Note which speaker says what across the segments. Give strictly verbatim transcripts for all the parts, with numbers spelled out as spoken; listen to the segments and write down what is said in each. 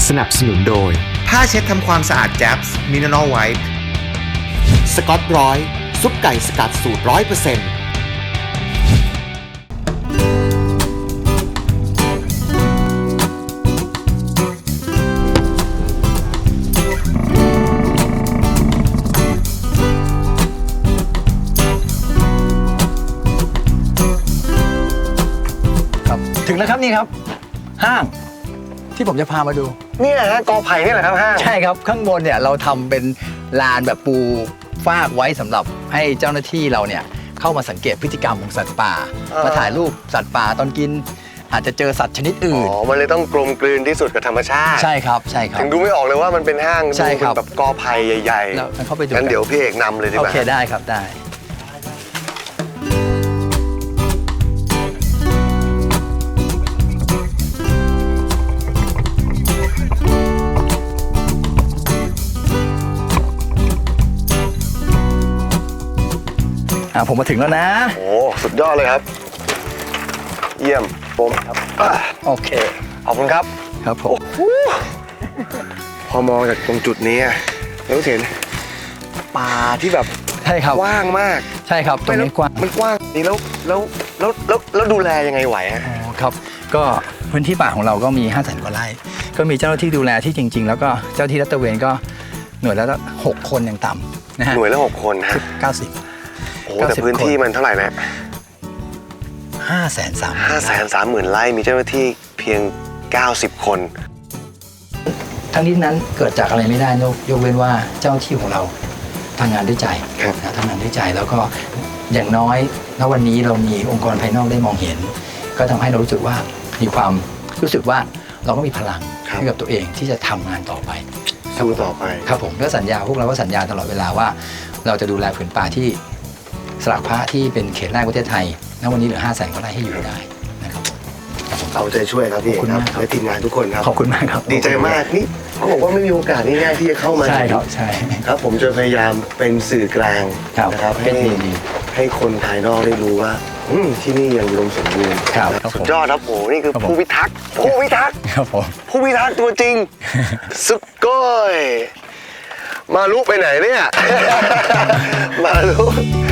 Speaker 1: สนับสนุนโดย
Speaker 2: ผ้าเช็ดทำความสะอาดแจ๊บส์มินอลไวท์
Speaker 1: สกอตร้อยซุปไก่สกัดสูตรร้อยเปอร์เซ็นต์
Speaker 3: ถึงแล้วครับนี่ครับห้างที่ผมจะพามาดู
Speaker 2: นี่แหละฮะกอไผ่นี่แหละครับห้าง
Speaker 3: ใช่ครับข้างบนเนี่ยเราทำเป็นลานแบบปูฟากไว้สำหรับให้เจ้าหน้าที่เราเนี่ยเข้ามาสังเกตพฤติกรรมของสัตว์ป่ามาถ่ายรูปสัตว์ป่าตอนกินอาจจะเจอสัตว์ชนิดอื่น
Speaker 2: อ๋อมันเลยต้องกลมกลืนที่สุดกับธรรมชาติ
Speaker 3: ใช่ครับใช่ครับ
Speaker 2: ถึงดูไม่ออกเลยว่ามันเป็นห้างดูเป็นแบบกอไผ่ใหญ่ๆ
Speaker 3: แล้วเข้าไปดู
Speaker 2: งั้นเดี๋ยวพี่เอกนำเลยดีกว่า
Speaker 3: โอเคได้ครับได้ผมมาถึงแล้วนะ
Speaker 2: โอ้สุดยอดเลยครับเยี่ยมผมครับ
Speaker 3: โอเค
Speaker 2: ขอบคุณครับ
Speaker 3: ครับผม
Speaker 2: พอมองจากตรงจุดนี้แล้วเห็นป่าที่แบบ
Speaker 3: ใช่ครับ
Speaker 2: กว้างมาก
Speaker 3: ใช่ครับตรงนี้กว้าง
Speaker 2: มันกว้างนี่แล้วแล้วแล้วแล้วแล้วดูแลยังไงไหวฮะ
Speaker 3: อ๋อครับก็พื้นที่ป่าของเราก็มีห้าแสนกว่าไร่ก็มีเจ้าหน้าที่ดูแลที่จริงๆแล้วก็เจ้าที่รัตเวนก็หน่วยละหกคนอย่างต่ำนะฮะ
Speaker 2: หน่วยละหกคนฮะ
Speaker 3: เก้าสิบ
Speaker 2: โอ้แต่พื้นที่มันเท่าไหร่นะ
Speaker 3: ห้าแสนสาม
Speaker 2: ห้าแสนสามหมื่นไร่มีเจ้าหน้าที่เพียงเก้าสิบคน
Speaker 3: ทั้งนี้นั้นเกิดจากอะไรไม่ได้ยกเว้นว่าเจ้าที่ของเราทำงานด้วยใจนะทำงานด้วยใจแล้วก็อย่างน้อยณวันนี้เรามีองค์กรภายนอกได้มองเห็นก็ทำให้เรารู้สึกว่ามีความรู้สึกว่าเราก็มีพลังให้กับตัวเองที่จะทำงานต่อไป
Speaker 2: สู้ต่อไป
Speaker 3: ครับผมก็สัญญาพวกเราก็สัญญาตลอดเวลาว่าเราจะดูแลผืนป่าที่สลักพระที่เป็นเขตแรกประเทศไทยณวันนี้เหลือห้าแสนกว่าไร่ให้อยู่ได้นะครับ
Speaker 2: เอาใจช่วยครับพี่ครับและทีมงานทุกคนครับ
Speaker 3: ขอบคุณมากครับ
Speaker 2: ดีใจมากนี่เขาบอกว่าไม่มีโอกาสง่ายๆที่จะเข้ามา
Speaker 3: ใช่ครับใช่
Speaker 2: ครับผมจะพยายามเป็นสื่อกลางนะครับให้ให้คนภายนอกได้รู้ว่าที่นี่ยังอุดมสมบูรณ์สุดยอดครับโอ้นี่คือผู้พิทักษ์ผู้พิทักษ์
Speaker 3: ครับผม
Speaker 2: ผู้พิทักษ์ตัวจริงสุดก้อยมาลุไปไหนเนี่ยมาลุ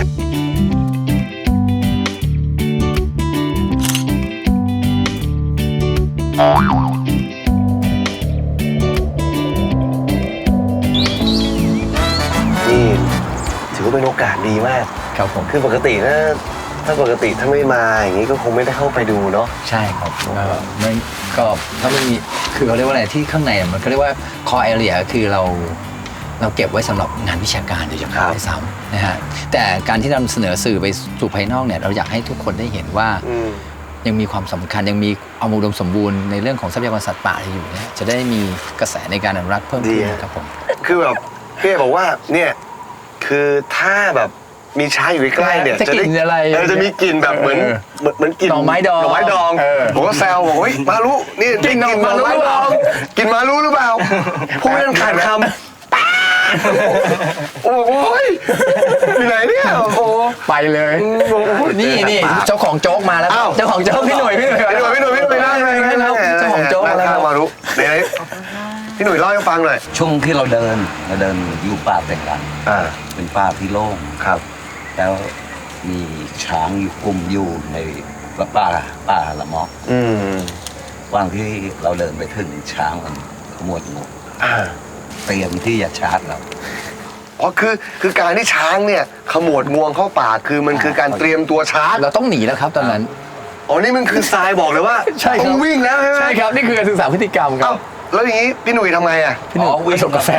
Speaker 2: นี่ถือว่าเป็นโอกาสดีมาก
Speaker 3: ครับผม
Speaker 2: คือปกตินะถ้าปกติถ้าไม่มาอย่างนี้ก็คงไม่ได้เข้าไปดูเนาะ
Speaker 3: ใช่ครับไม่ก็ถ้าไม่มีคือเขาเรียกว่าอะไรที่ข้างในมันก็เรียกว่า core area คือเราเราเก็บไว้สำหรับงานวิชาการโดยเฉพาะด้วยซ้ำนะฮะแต่การที่นำเสนอสื่อไปสู่ภายนอกเนี่ยเราอยากให้ทุกคนได้เห็นว่ายังมีความสำคัญยังมีความอุดมสมบูรณ์ในเรื่องของทรัพยากรสัตว์ป่าอยู่เนี่ยจะได้มีกระแสในการอนุรักษ์เพิ่มขึ้นครับผม
Speaker 2: คือแบบพี่บอกว่าเนี่ยคือถ้าแบบมีช้างอยู่ใกล้ๆเนี่ย
Speaker 3: จะกินอะไร
Speaker 2: เออจะมีกลิ่นแบบเหมือนเหมือนกลิ่น
Speaker 3: หน่อไม้ดอง
Speaker 2: หน่อไม้ดองผมก็แซวบอกเฮ้ยมาลุนี่กินหน่อไม้ดองกินมาลุหรือเปล่าพูดไม่ต้องขาดคำโอ้ยอยู่ไหนเนี่ยโอ้
Speaker 3: ไปเลยนี่นี่เจ้าของโจ๊กมาแล้วเจ้าของโจ๊กพี่หนุ่ยพี่หนุ่ย
Speaker 2: พี่หนุ่ยพี่หนุ่ยพี่หนุ่ยนั่งเลย
Speaker 3: ครับเจ้าของโจ๊กแล้ว
Speaker 2: มาลุไหนพี่หนุ่ยเล่าให้ฟังหน่อย
Speaker 4: ช่วงที่เราเดินเราเดินอยู่ป่าแต่งกันอ่าเป็นป่าที่โล่ง
Speaker 2: ครับ
Speaker 4: แล้วมีช้างอยู่กลุ่มอยู่ในป่าป่าละมอกอืมวันที่เราเดินไปถึงช้างมันขมวดงวเตรียมที่จะชาร์จเรา
Speaker 2: อ๋อคือคือการที่ช้างเนี่ยขมวดงวงเข้าป่าคือมันคือการเตรียมตัวชาร์จ
Speaker 3: เราต้องหนีแล้วครับตอนนั้น
Speaker 2: อ๋อนี่มันคือทรายบอกเลยว่าต้องวิ่งแล้วใช่ไหม
Speaker 3: ใช่ครับนี่คือการศึกษาพฤติกรรมครับ
Speaker 2: แล้วอย่างนี้พี่หนุ่ยทำไงอ่ะ
Speaker 3: พี่หนุ่ยวิ่งส่งกาแฟ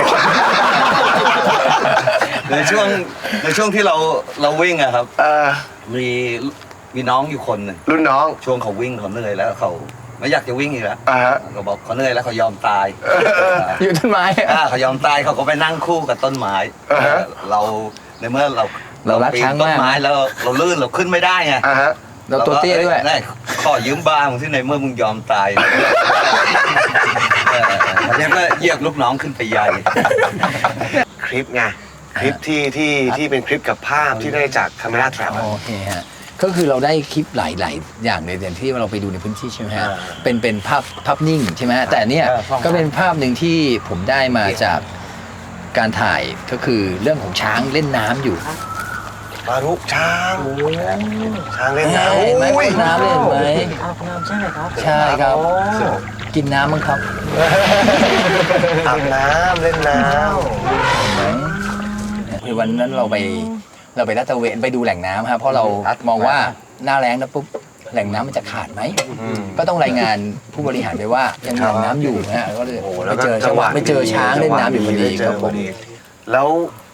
Speaker 4: ในช่วงในช่วงที่เราเราวิ่งอะครับมีมีน้องอยู่คนหนึ่ง
Speaker 2: รุ่นน้อง
Speaker 4: ช่วงเขาวิ่งเขาเหนื่อยแล้วเขาไม่อยากจะวิ่งอีกแล้วเขาบอกเขาเหนื่อยแล้วเขายอมตาย
Speaker 3: อยู่ต้นไม้
Speaker 4: เขายอมตายเขาก็ไปนั่งคู่กับต้นไม้เราในเมื่อเรา
Speaker 3: เรารักช้าง
Speaker 4: ต้นไม้แล้วเราลื่นเราขึ้นไม่ได้ไง
Speaker 3: เราตัวเตี้ยด้วย
Speaker 4: ขอยืมบ้างที่ในเมื่อมึงยอมตายแล้วก็เหยียบลูกน้องขึ้นไปใหญ่
Speaker 2: คลิปไงคลิปที่ที่ที่เป็นคลิปกับภาพที่ได้จากคาเมราแทร็ป
Speaker 3: โอเคฮะก็คือเราได้คลิปหลายๆอย่างเลยอย่างที่เราไปดูในพื้นที่ใช่ไหมฮะ
Speaker 2: อ่า
Speaker 3: เป็นเป็นภาพภาพนิ่งใช่ไหมฮะแต่เนี่ย
Speaker 2: เออภาพ
Speaker 3: ก็เป็นภาพหนึ่งที่ผมได้มาจากการถ่ายก็คือเรื่องของช้างเล่นน้ำอยู่
Speaker 2: มารุช้างช้างเล่นน้ำ
Speaker 3: เห็นไหม
Speaker 2: โอ้ย
Speaker 3: น้ำเล่นไหม
Speaker 5: อาบน้ำใช่ไหมครับ
Speaker 3: ใช่ครับ กินน้ำมั้งครับ
Speaker 2: อาบน้ำเล่นน้
Speaker 3: คือวันนั้นเราไปเราไปลาดตระเวนไปดูแหล่งน้ำครับเพราะเรามองว่าหน้าแล้งแล้วปุ๊บแหล่งน้ำมันจะขาดไหม ก็ต้องรายงานผู้บริหารไปว่ายังมีแหล่งน้ำอยู่นะฮะแล้วก็เลย
Speaker 2: ำโอ้โห
Speaker 3: ไป
Speaker 2: แล้วก็
Speaker 3: เจอจังหวะไปเจอช้างเล่นน้ำอยู่พอดี
Speaker 2: เจ
Speaker 3: ครั
Speaker 2: อบ พ
Speaker 3: ผ
Speaker 2: อ
Speaker 3: ม
Speaker 2: ดีแล้ว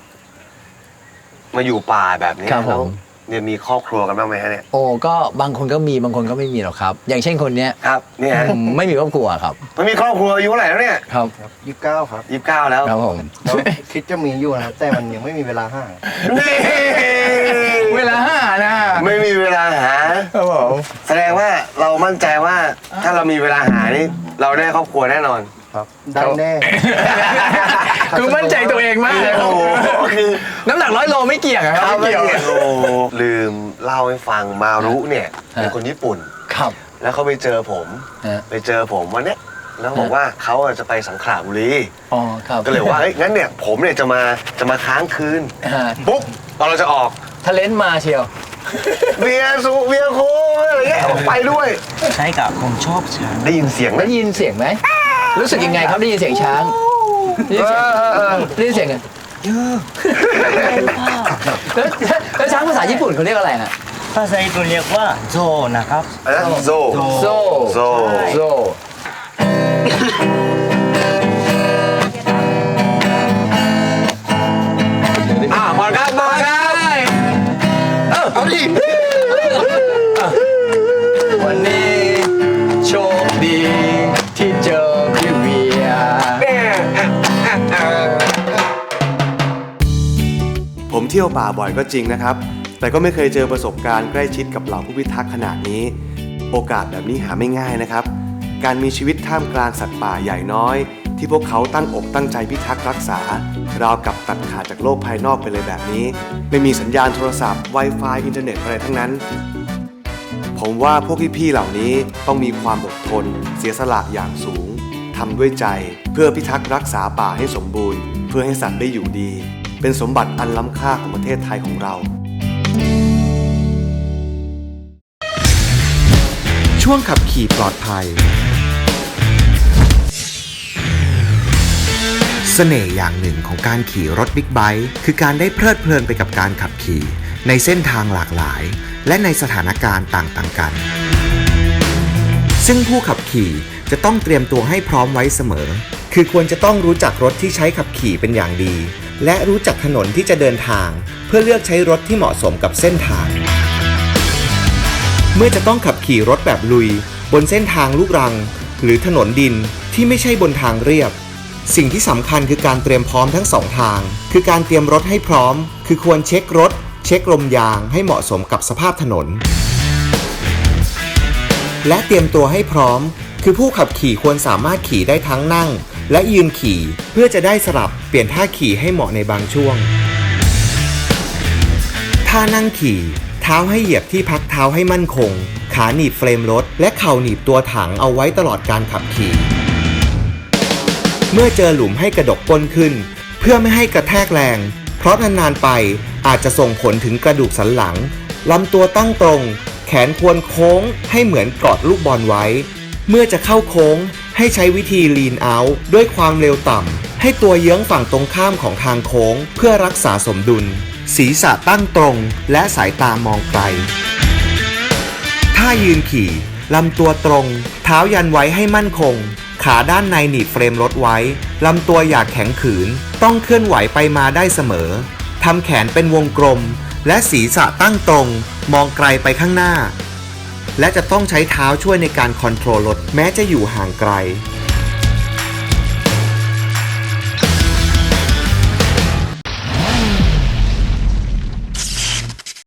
Speaker 2: มาอยู่ป่าแบบนี้
Speaker 3: ครับผม
Speaker 2: แล้วเนี่ยมีครอบครัวกันบ้างไหมฮะเนี่ย
Speaker 3: โอ้ก็บางคนก็มีบางคนก็ไม่มีหรอกครับ อย่างเช่นคนเนี้ย
Speaker 2: ครับเนี่ย
Speaker 3: อืมไม่มีครอบครัวครับ
Speaker 2: มันมีครอบครัวอายุเท่าไหร่แล้วเนี่ย
Speaker 3: ครับ
Speaker 5: ยี่สิบเก้าครับ
Speaker 2: ยี่สิบเก้าแล้ว
Speaker 3: ครับผม
Speaker 5: คิดจะมีอยู่นะครับ แต่มันยังไม่มีเวลาห้าง
Speaker 2: นี่
Speaker 3: เวลาห้านะ
Speaker 2: ไม่มีเวลาหา
Speaker 3: ครับผม
Speaker 2: แสดงว่าเรามั่นใจว่าถ้าเรามีเวลาหานี่เราได้ครอบครัวแน่นอน
Speaker 5: ครับ ได้แน่
Speaker 3: คือมั่นใจตัวเองมากเลยครับ
Speaker 2: โอ้โหคือ
Speaker 3: น้ำหนักร้อยโลไม่เกี่ยงอะครับ
Speaker 2: ถ้าไม่
Speaker 3: ไม่เกี่ยว
Speaker 2: เกี่ยวโอ้โหลืมเล่าให้ฟังมารุเนี่ยเป็น
Speaker 3: ฮะ
Speaker 2: คนญี่ปุ่น
Speaker 3: ครับ
Speaker 2: แล้วเขาไปเจอผม
Speaker 3: ฮะ
Speaker 2: ไปเจอผมวันเนี้ยแล้วบอกว่าเขาอ่ะจะไปสังขละบุรี
Speaker 3: อ๋อครับ
Speaker 2: ก็เลยว่าเฮ้ยงั้นเนี่ยผมเนี่ยจะมาจะมาค้างคืน
Speaker 3: ฮะ
Speaker 2: ปุ๊บตอนเราจะออก
Speaker 3: ทะเลนมาเชียว
Speaker 2: เบียร์สุเบียร์โค้กอะไรเงี้ยเอาไปด้วย
Speaker 5: ใช่กับผมชอบช้าง
Speaker 2: ได้ยินเสียงไหม
Speaker 3: ได้ยินเสียงไหมรู้สึกยังไงครับได้ยินเสียงช้างได้ยินเสียง
Speaker 2: เออเออ
Speaker 3: ได้ยินเสียงไงแล้วแล้วช้างภาษาญี่ปุ่นเขาเรียกอะไรฮะ
Speaker 5: ภาษาญี่ปุ่นเรียกว่าโซนะครับ
Speaker 2: อะไรนะโซ
Speaker 3: โซ
Speaker 2: โซ
Speaker 3: โซ
Speaker 2: อ่ะมาครับมาครับเอาดิ
Speaker 3: วันนี้โชคดีที่เจอพี่เวีย
Speaker 6: ผมเที่ยวป่าบ่อยก็จริงนะครับ แต่ก็ไม่เคยเจอประสบการณ์ใกล้ชิดกับเหล่าผู้พิทักษ์ขนาดนี้ โอกาสแบบนี้หาไม่ง่ายนะครับ การมีชีวิตท่ามกลางสัตว์ป่าใหญ่น้อย ที่พวกเขาตั้งอกตั้งใจพิทักษ์รักษาราวกับตัดขาดจากโลกภายนอกไปเลยแบบนี้ ไม่มีสัญญาณโทรศัพท์ Wi-Fi อินเทอร์เน็ตอะไรทั้งนั้น ผมว่าพวกพี่ๆเหล่านี้ต้องมีความอดทน เสียสละอย่างสูงทำด้วยใจเพื่อพิทักษ์รักษาป่าให้สมบูรณ์ เพื่อให้สัตว์ได้อยู่ดี เป็นสมบัติอันล้ำค่าของประเทศไทยของเรา
Speaker 1: ช่วงขับขี่ปลอดภัย เสน่ห์อย่างหนึ่งของการขี่รถบิ๊กไบค์คือการได้เพลิดเพลินไปกับการขับขี่ในเส้นทางหลากหลาย และในสถานการณ์ต่างๆกัน ซึ่งผู้ขับขี่จะต้องเตรียมตัวให้พร้อมไว้เสมอ คือควรจะต้องรู้จักรถที่ใช้ขับขี่เป็นอย่างดี และรู้จักถนนที่จะเดินทาง เพื่อเลือกใช้รถที่เหมาะสมกับเส้นทาง เมื่อจะต้องขับขี่รถแบบลุยบนเส้นทางลูกรัง หรือถนนดินที่ไม่ใช่บนทางเรียบ สิ่งที่สำคัญคือการเตรียมพร้อมทั้งสองทาง คือการเตรียมรถให้พร้อม คือควรเช็ครถ เช็คลมยางให้เหมาะสมกับสภาพถนน และเตรียมตัวให้พร้อม คือผู้ขับขี่ควรสามารถขี่ได้ทั้งนั่ง และยืนขี่เพื่อจะได้สลับเปลี่ยนท่าขี่ให้เหมาะในบางช่วงท่านั่งขี่เท้าให้เหยียบที่พักเท้าให้มั่นคง ขาหนีบเฟรมรถและเข่าหนีบตัวถังเอาไว้ตลอดการขับขี่เมื่อเจอหลุมให้กระดกก้นขึ้นเพื่อไม่ให้กระแทกแรงเพราะนานๆไปอาจจะส่งผลถึงกระดูกสันหลังลำตัวตั้งตรงแขนควรโค้งให้เหมือนกอดลูกบอลไว้เมื่อจะเข้าโค้งให้ใช้วิธี lean out ด้วยความเร็วต่ำให้ตัวเยื้องฝั่งตรงข้ามของทางโค้งเพื่อรักษาสมดุลศีรษะตั้งตรงและสายตามองไกลถ้ายืนขี่ลำตัวตรงเท้ายันไว้ให้มั่นคงขาด้านในหนีบเฟรมรถไว้ลำตัวอย่าแข็งขืนต้องเคลื่อนไหวไปมาได้เสมอทำแขนเป็นวงกลมและศีรษะตั้งตรงมองไกลไปข้างหน้าและจะต้องใช้เท้าช่วยในการคอนโทรลรถแม้จะอยู่ห่างไกล